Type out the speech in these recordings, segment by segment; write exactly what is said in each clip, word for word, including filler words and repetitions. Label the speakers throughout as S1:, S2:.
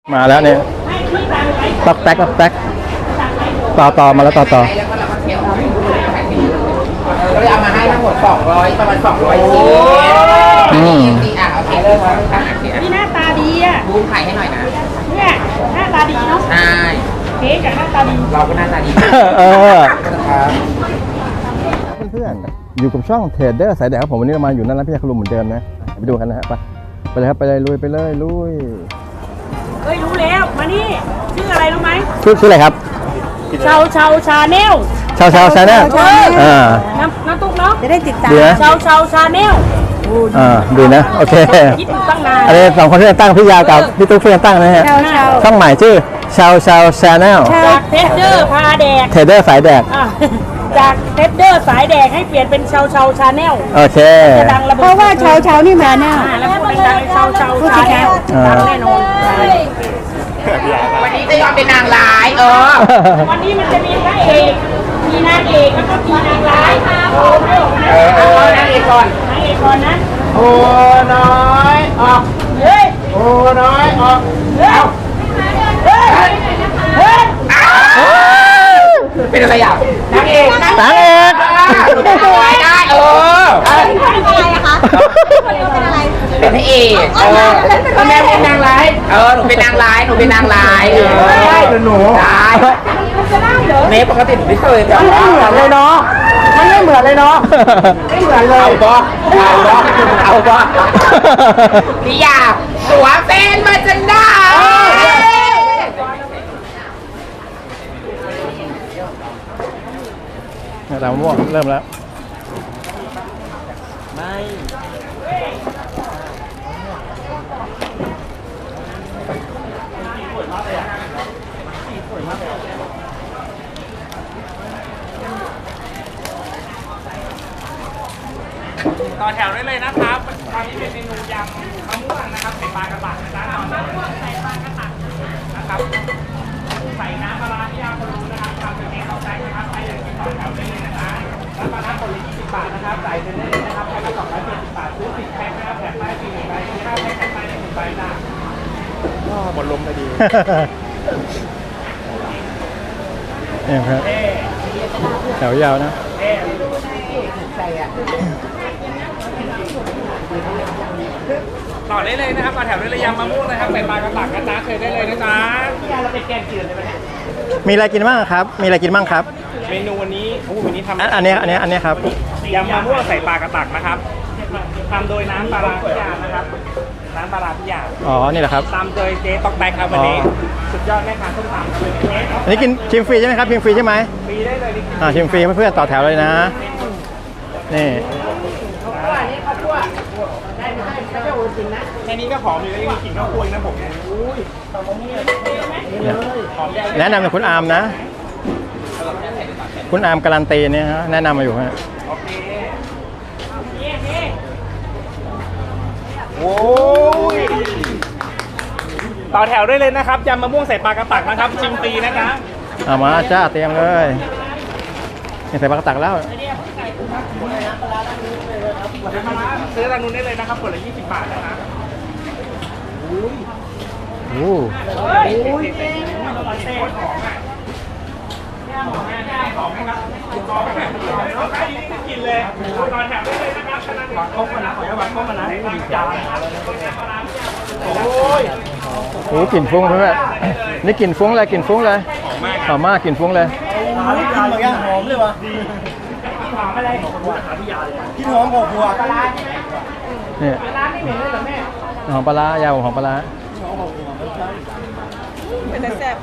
S1: มาแล้วเนี่ยต๊อกแต๊กต๊อกแต๊กต่อต่อมาแล้วต่อต่อ
S2: ก็เลยเอามาให้ทั้งหมดสองร้อยประมาณสองร้อยชิ้นอืมอ่ะโอเคเลย
S3: นี่หน้าตาดีอ่ะ
S2: บูมไข่ให้หน่อยนะ
S3: เนี่ยหน้าตาดีเนาะ
S2: ใช่
S3: เค้กกับหน้าตาดี
S2: เราก็หน้าตาดี
S1: เออเพื่อนๆอยู่กับช่องเทรดเดอร์สายแดกครับผมวันนี้เรามาอยู่นั่นร้านพี่ยาคลุมเหมือนเดิมนะไปดูกันนะฮะไปไปเลยครับไปเลยลุยไปเลยลุย
S3: เฮ้ยรู้แล้วมานี่ชื่ออะไรรู้ไหม
S1: ชื่อชื่ออะไรครับ
S3: ชาวชาวชาแนล
S1: ชาวชาวชาแนลอ่า
S3: น้ำน้ำตุ๊กเนาะ
S4: จะได้ติดตาม
S3: ชาวชาวชาแนล
S1: อ่าดีนะโอเค
S3: คิดตั้งนาน
S1: อันนี้สองคนที่ตั้งพี่ยากับพี่ตุ๊กที่ตั้งนะฮะช่องใหม่ชื่อชาวชาวชาแนล
S3: จากเทรดเดอร์พาแดก
S1: เทรดเดอร์สายแดก
S3: จากเทรดเดอร์สายแดกให้เปลี่ยนเป็นชาวชาวชาแนล
S1: โอเค
S4: เพราะว่าชาวชาวนี่มาแน่
S3: แล้วพูดดังๆชาวชาวชาแนลดังแน่นอน
S2: วันนี้จะยอมเป็นนางร้ายเออ
S3: วันนี้มันจะมีพระเอกมีนางเอกแล้วก็มีนางร้ายโอ้ไม่ออกนะ
S2: เอานางเอกก่อน
S3: นางเอกก่อนนะ
S2: โอ้น้อยออก
S3: เฮ้ย
S2: โอ้น้อยออก
S3: เฮ้ยเฮ้ยเฮ้ย
S2: เป็นอะไรอ่ะนางเอก
S1: นางเอก
S2: ได้เออ
S4: เป็นอะไรอะคะเป็นอะไร
S2: เป็นพระเอกเออแม่เป็นนางร้ายเออหนูเป็นนางร้ายหนูเป็นนางร้ายเออได้หนูได้เนปกติหนูไม่เคยแบบ
S1: ไม่เหมือนเลยเนาะมันไม่เหมือนเลยเนาะ
S2: ไม่เหมือนเลยเอาบ่เอาบ่เอาบ่พี่อยากตัวแฟนมาจนได้
S1: ตามม่วงเริ่มแล้ว
S2: ไม่ต่อแถวได้เลยนะครับตอนนี้เป็นเมนูยำมะม่วงนะครับใส่ปลากระปักนะจ๊ะตอนนี้ใส่ปลากระปักนะครับใส่น้ำปลาที่ยาคนรู้นะครับทำเป็นเมนูใส่นะครับใส่อย่างที่ต่อแถวได้เลยนะจ๊ะน้ำปลาน้ำคนละยี่สิบบาทนะครับใส่เป็นได้เลยนะครับแพ็คละสองร้อยเจ็ดสิบบาทซื้อสิบแพ็คนะครับแถมป้ายฟรีหนึ่งใบซื้อห้าแพ็คแถมป้ายหนึ่งใบจ้ะหมดลมพอดี
S1: เนี่ยครับแถวยาวนะ
S2: ต่อได้เลยนะครับต่อแถวได้เลยยำมะม่วงนะครับใส่ปลากระปักนะจ๊ะเคยได้เลยนะจ๊ะพี่ยาเราเป็นแกงจืดเลยไหม
S1: มีอะไรกินบ้างครับมีอะไรกินบ้างครับ
S2: เมนูวันนี้โอ้วันนี้ทำ
S1: อันนี้อันนี้อันนี้ครับ
S2: ยำมะม่วงใส่ปลากระปักนะครับทำโดยน้ำปลาพิยานะครับน้ำปลาพิยา
S1: อ๋อนี่แหละครับ
S2: ตามโดยเจ๊ต๊อกแต๊กครับวันนี้สุดยอดแม่ค้าส้มตำครับ
S1: อันนี้กินชิมฟรีใช่ไหมครับชิมฟรีใช่ไหม
S2: ฟรีได้เลย
S1: อ่าชิมฟรีเพื่อนๆต่อแถวเลยนะนี่
S2: แค่นี้ก็หอมอยู่แล้วยังกินข้าวคั่วนะผมอุ้ย
S1: แนะนำจากคุณอาร์มนะคุณอาร์มการันตีเนี่ยฮะแนะนำมาอยู่ฮะ
S2: โอ้ยต่อแถวได้เลยนะครับยำมะม่วงใส่ปลากระปักนะครับชิมฟรีนะครับ
S1: เอามาจ้าเตรียมเลยใส่ปลากระตักแล้ว
S2: ซื้อร้านนู้นได้เลยนะครับคนละยี่สิบบาทนะครับ
S1: โอ้โห
S2: กินเลยตอนแถวได้เลยนะครับขนาดหวังคมนะขอให้หวังคมนะให้ดีจ้าโอ้ย
S1: โอ้กลิ่นฟุ้งเพื่อนนี่กลิ่นฟุ้งเลยกลิ่นฟุ้งเลยหอมมากกลิ่นฟุ้งเลย
S4: กินเหมือนกันหอมเลยวะ
S2: หอมอะไรของบัวขาพี่ยาเลย
S4: กินหอมของบัว
S1: เนี่ยหอมปลายาวหอมปลา
S3: เป็นแต่แซ่บ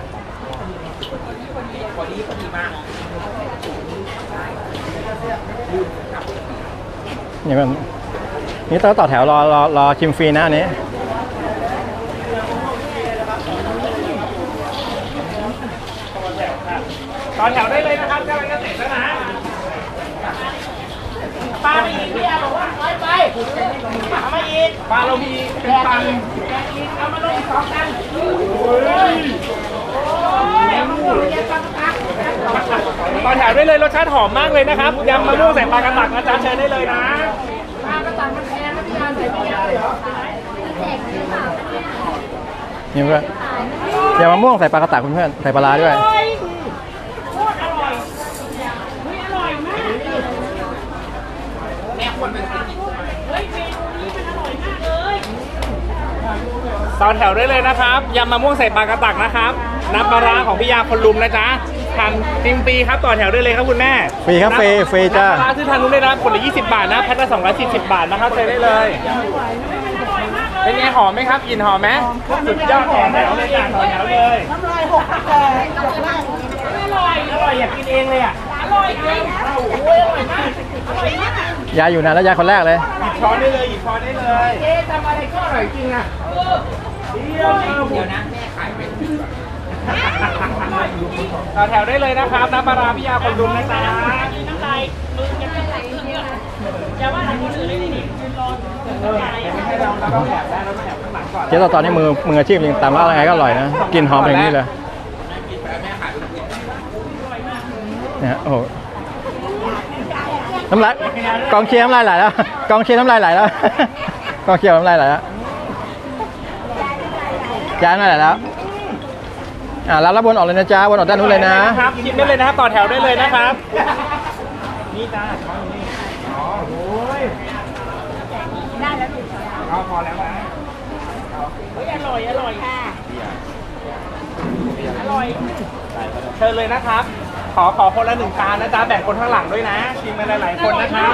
S2: พอดีพอดีมาก
S1: นี่มันนี่ต้องต่อแถวรอรอรอชิมฟรีนะอันนี้
S2: ต่อแถวได้เลยนะครับกำลังจะเสร็จแล้วนะปลาไม่อีกพี่อาบอกว่าน้อยไปเอามาอีกปลาเรามีเป็นปังเอามาลงสองกันตอนแถวได้เลยรสชาติหอมมากเลยนะครับยำมะม่วงใส่ปลากระตักนะจ๊ะเชิญได้เลยนะปลากระตักมันแพงนะพี่ยาใส่ไม่ได้เลยเหรอ
S1: นี่เพื่อนยำมะม่วงใส่ปลากระตักเพื่อนๆใส่ปลาร้าด้วย
S3: อร่อยโคตรอร่อยนี่อร่อยมากแม่ควรเป็นคนกินเฮ้ยเมนูนี้มันอร่อยมากเลย
S2: ตอนแถวได้เลยนะครับยำมะม่วงใส่ปลากระตักนะครับน้ำปลาร้าของพี่ยาคนลุมนะจ๊ะทานจริงฟรีครับต่อแถวได้เลยครับคุณแม่
S1: ฟรีครับฟรีฟรีจ้า
S2: น้ำปลาร้าซื้อทานนู้นได้นะคนละยี่สิบบาทนะแพ็คละสองร้อยสี่สิบบาทนะครับใช้ได้เลยเป็นไงหอมไหมครับกลิ่นหอมไหมสุดยอดต่อแถวเลยจ้ะต่อแถวเลย
S3: อร่อย
S2: อร่อยอยากกินเองเลยอ่ะ
S3: อร่อยจริงโอ้ยอร่อยมากอร่อยมาก
S1: ยายอยู่นานแล้วยายคนแรกเลย
S2: หยิบช้อนได้เลยหยิบช้อนได้เลย
S3: เจ๊ทำอะไรก็อร่อยจริงอ่ะ
S2: เดี๋ยวเดี๋ยวนะแม่ขายเป็นต่อแถวได้เลยนะครับน้ำปลาร้าพี่ยาคนลุมนะจ๊ะ
S3: น้ำลายมือจะเป็นไหลเครื่องเนี่ยอย่าว่าหลังคนอื่นเลยนี่ยืนรอ
S2: เออไม่ให้เราเราต้องแอบได้เราต้องแอบข้างหลังก่อน
S1: เจ๊ต่อตอนนี้มือมืออาชีพจริงตามร้านอะไรก็อร่อยนะกลิ่นหอมอย่างนี้เลยเนี่ยโอ้โหน้ำลายกองเชียร์น้ำลายไหลแล้วกองเชียร์น้ำลายไหลแล้วกองเชียร์น้ำลายไหลแล้วจ้าน้ำลายไหลแล้วอ่าแล้วรับบนออกเลยนะจ้าบนออกด้านนู้นเลยนะครับ
S2: กินได้เลยนะครับต่อแถวได้เลยนะครับนี่จ้าช้อนอยู่นี่อ๋อโอ้ยได้แล้วลูกเอาพอแล้วนะ
S3: เฮ้ยอร่อยอร่อยค่ะอร่อย
S2: เชิญเลยนะครับ ขอขอคนละหนึ่งจานนะจ๊ะแบ่งคนข้างหลังด้วยนะชิมไปหลายๆคนนะครับ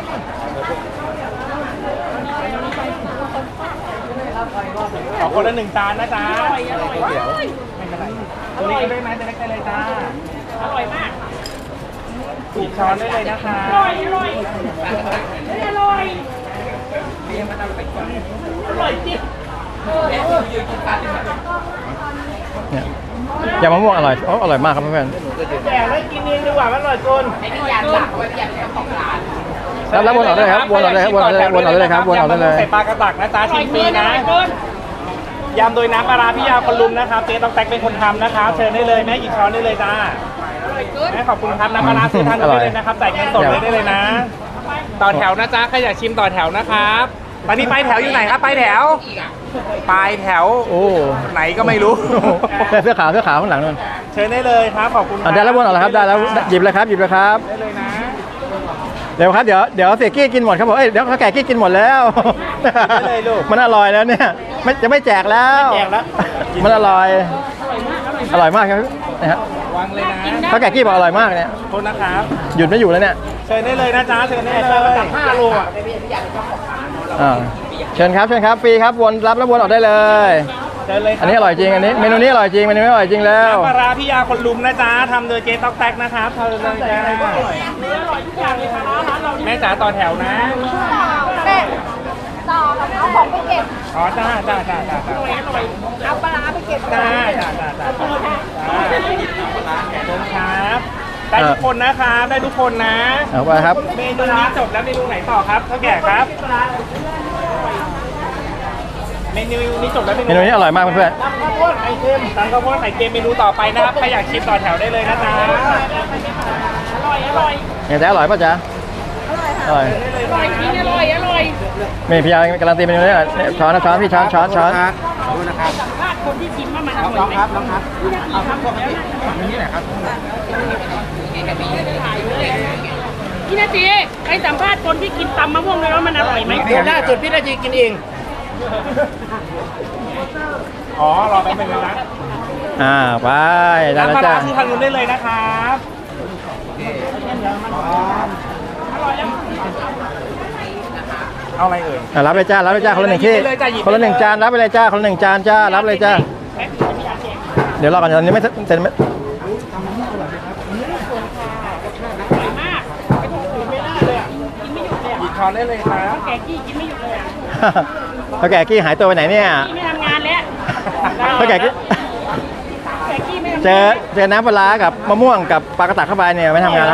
S2: ขอคนละหนึ่งจานนะจ๊ะ
S3: อร่อยอร่อย
S2: เดี๋ยวไม่เป็นไรตัวนี้ได้ไหมจะได้เลยจ้า
S3: อร่อยมาก
S2: หยิบช้อนได้เลยนะคะ
S3: อร่อยอร่อยอร่อยอร่อยจริง
S1: เนี่ยยำมะม่วงอร่อยโอ้อร่อยมากครับเพื่อน
S2: แจกแล้วกินเองดีกว่ามันอร่อยเกิน
S1: ๆแล้วรับบนออกได้เลยครับวนออกได้เลยครับวนออกได้เลยวนออกได้เลยครับวนออกได้เลย
S2: ใส่ปลากระตักนะจ๊ะ
S3: อร่
S2: ชิ
S3: อย
S2: มฟรี
S3: เกินอ
S2: นะ
S3: ร่อยเกิน
S2: ยำโดยน้ำปลาร้าพี่ยาคนลุมนะครับเจ๊ต้องแตกเป็นคนทำนะครับเชิญได้เลยแม่หยิบช้อนได้เลยจ้าแม่ขอบคุณครับน้ำปลาร้าซื้อทานได้เลยนะครับจ่ายเงินสดเลยได้เลยนะ ต่อแถวนะจ๊ะใครอยากชิมต่อแถวนะครับตอนนี้ปลายแถวอยู่ไหนครับปลายแถวปลายแถว
S1: โอ้
S2: ไหนก็ไม่รู้
S1: เสื้อขาวเสื้อขาวข้างหลังนู่น
S2: เชิญได้เลยครับขอบคุณค
S1: อ่ะ
S2: รับ
S1: ได้แล้ววนออกแล้วครับได้แล้วหยิบเลยครับหยิบเลยครับ
S2: ได้เลยนะ
S1: เดี๋ยวครับเดี๋ยวเดี๋ยวเสียกี้กินหมดครับผมเอ้ยเดี๋ยวเขาแก่กี้กินหมดแล้ว
S2: ได้เลยลูก
S1: มันอร่อยแล้วเนี่ยไม่จะไม่แจกแล้ว
S2: ไม่แจกแล้ว
S1: มันอร่อยอร่อยมากครับนะฮะ
S2: วางเลยนะ
S1: เขาแก่กี้บอกอร่อยมากเนี่ย
S2: ขอบคุณนะครับ
S1: หยุดไม่อยู่แล้วเนี่ย
S2: เชิญได้เลยนะจ๊ะเชิญได้เลยจับห้าโลอ่ะ
S1: อ่าเชิญครับเชิญครับฟรีครับวนรับแล้ววนออกได้เลย
S2: เชิญเลยคบ
S1: อันนี้อร่อยจริงอันนี้เมนูนี้อร่อยจริงเมนูนี้อร่อยจริงแล้ว
S2: น้ำปลาร้าพี่ยาคนลุมนะจ๊ะทำโดยเจ๊ต๊อกแตกนะครับเชิญเลยจ้า
S3: อร่อยทุกอย่างเลยค่ะร้านเรา
S2: แม่จ๋าต่อแถวนะ
S3: แม่ต่อเอาของไปเก็บ
S2: อ๋อจ้าจ้าจ้าจ้าจ้า
S3: อร่อยอร่อยเอาปลาร้าไปเก็บ
S2: จ้าจ้าจ้าจ้าจ้าเชิญครับได้ทุกคนนะครับได้ทุกคนนะ
S1: เอาไปครับ
S2: เมนูนี้จบแล้วเมนูไหนต่อครับเท่าแก่ครับ เมนูนี้จบแล้วเมนู
S1: เมนูนี้อร่อยมากเพื่อน
S2: ตำข้าวโพดไข่เค็มตำข้าวโพดไข่เค็มเมนูต่อไปนะครับใครอยากชิมต่อแถวได้เลยนะจ๊ะ
S3: อร่อยอร่อย
S1: ๆเนี่ยแต่อร่อยป่ะจ๊ะอร่อย
S3: อร่อยจริงอร่อยอร่อย
S1: เมนูพี่ยาการันตีเมนูนี้อ่ะเนี่ยช้อนนะช้อนพี่ช้อนช้อนช้อน
S3: สัมภาษณ์คนที่ชิมว่ามันอร่อยไหมครับน้องครับเอาครับผมนี่แหละครับพี่นาทีไปสัมภาษณ์คนที่กินตำมะม่วงเลยว่ามันอร่อยไหม
S2: เดี๋ยวล่าสุดพี่นาทีกินเองอ๋อรอแป๊บนึงนะ
S1: อ่าไปได้แล้ว
S2: น้ำปลา
S1: จ้า
S2: ร้าซื้อทางนู้นได้เลยนะครับเอาอะไรเอ่ย
S1: อ่ะรับเลยจ้ารับเลยจ้าคนละหนึ่งที่
S2: หยิบไปเลยจ้ะหยิบไป
S1: คนละหนึ่ง
S2: เลย
S1: จานรับไปเลยจ้าคนละหนึ่งจานจ้ารับเลยจ้าเดี๋ยวรอก่อนตอนนี้ไม่เสร็จไม่
S3: อร่อยมากไม่ต้องถือไม่ได้เลยอ่ะกินไม่หยุดเลย
S2: หยิ
S3: อ่ะ
S2: บช้อนได้เลยครับ
S3: แกกี้กินไม่หยุดเลยอ่ะ
S1: เขาแก่กี้หายตัวไปไหนเนี่ย
S3: กี้ไม่ทำงานแล้ว
S1: เขาแก่กี้
S3: แกกี้ไม่ทำ
S1: เจอเจอน้ำปลาร้ากับมะม่วงกับปลากระตักเข้าไปเนี่ยไม่ทำงานแล้ว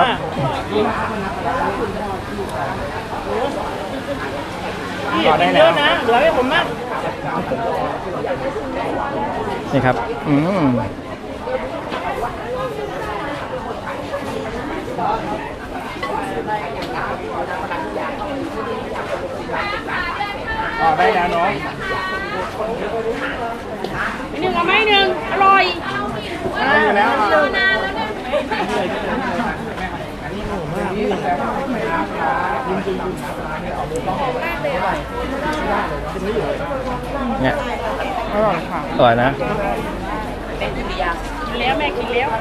S2: ต่อได้
S3: เย
S2: แล้ว
S3: อะนะเหลือให้ผมมาก
S1: นี่ครับอืม
S2: ต่อได้แล้วเนาะ
S3: หนึ่งเอาไหมหนึ่งอร่อย
S1: เนี่ย
S2: อร่อยค่ะ
S1: อร่อยนะ
S3: กินแล้วแม่กินแล้ว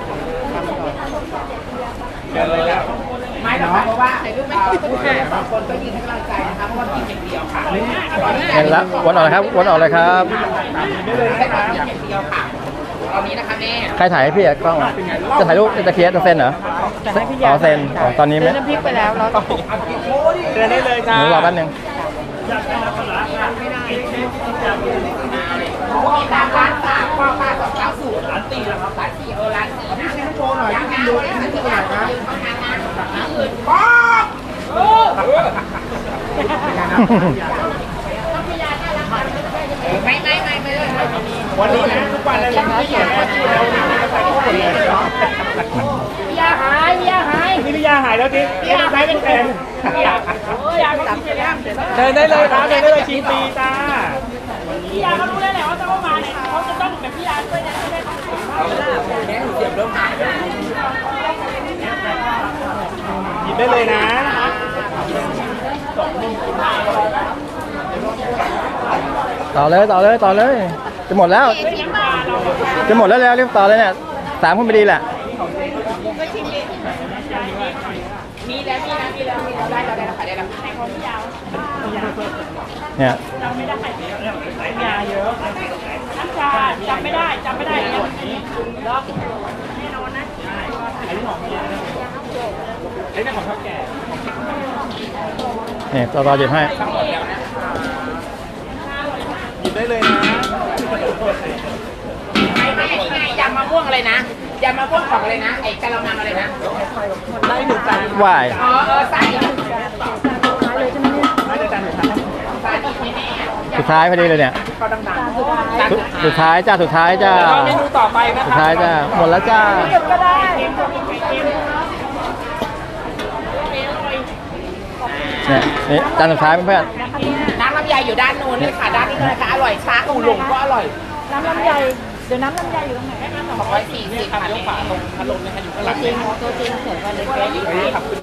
S2: ไม่หรอกเพราะว่าผู้ชายสองคนก็ยืนให้กำลังใจนะคะเพราะว่ากินอย่างเดียวค่ะอร่อยมากอร่อยมาก
S1: เห็นแล้ววนออกเลยครับวนออกเลยครับ
S2: ได้เลยนะคะกินอย่างเดียวค่ะตอนนี้นะคะแม่
S1: ใครถ่ายให้พี่อะกล้องอะจะถ่ายรูปจะเคลียร์จะเซ็นเหรอ
S3: จะให้พี่ยา
S1: อ๋อเซ็นอ๋อตอนนี้ไหม
S3: น้ำพริกไปแล้วแล้ว
S2: เดินได้เลยจ้า
S1: หนูรอแป๊บนึง
S2: ตามร้านสามข้าวปลาสองเก้าศูนย์ร้านสี่แล้วครับร้านสี่เออร้านสี่นะให้โชว์หน่อยยังนะเลยร้านสี่นะร้านอื่นป๊อกไม่ไม่ไม่ไม่เลยวันนี้นะทุกวันเลยนะที่อยู่ในที่เราใส่ข้าวหมดเลย
S3: พี่ยาหายพี่ยาหาย
S2: นี่พี่ยาหายแล้วทิพี่ยาหายเป็นแฟน
S3: พี่ยาพี่ยาเขากินไปแล้ว
S2: เดินได้เลยครับเดินได้เลยชิมฟรีจ้า
S3: พี่ยาเขารู้แล้วแหละว่าต้องมาเนี่ยเขาจะต้องแบบพี่ยาด้วยนะไม่ได้ต้อง
S2: แม่หนูเสียบเริ่มหายหยิบได้เลยนะ
S1: ต่อเลยต่อเลยต่อเลย จะหมดแล้ว จะหมดแล้วแล้วรีบต่อเลยเนี่ยสามคนไปดีแหละ
S3: มีแล้วมีแล้วมีแล้วมีแล้วได้แล้วได้แล้วค่ะได้แล้วให้ของพี่ยา
S1: เนี่ย
S3: จำไม่ได้พี่ยาเยอะน้ำชาจำไม่ได้จำไม่ได้แล้วล็อกแน่นอนนะ
S2: ไอ้นี่ของเท่าแก่
S1: นี่ต่อต่อหยิบให้
S2: หยิบได้เลยนะ
S3: ไม่ไม่นี่ไงยำมะม่วงอะไรนะยำมะม่วงของอะไรนะไอ้กะละมังอะไรนะ
S2: ได้หนึ่งจาน
S1: วาย
S3: อ๋อเออใส่หนึ่ง
S2: ไม่ได้จานหนึ่งจาน
S3: ใส่อีกแน่
S1: สุดท้ายพอดีเลยเนี่ย
S2: ก็ดัง
S1: สุดสุดท้ายจ้าสุดท้ายจ้า
S2: ๆแล้วเมนูต่อไปนะ
S1: สุ
S2: ค
S1: ด
S2: รับ
S1: ท้ายจ้าหมดแล้วจ้า
S3: ก็ได้
S1: เนี่ยนี่จานสุดท้ายเพื่อน
S3: น้ำลำไยอยู่ด้านนู้นเลยค่ะด้านนี้เลยค่ะอร่อยชาอูหลงก็อร่อยน้ำลำไยเดี๋ยวน้ำลำไยอยู่ตรงไหนได้มาสองร้อยสี่สิบค่ะ
S2: เลี้ยวขวาตรงพัดลมนะคะอยู่ข้างหลังเลย
S3: ตัวจริงสวยกว่าเลย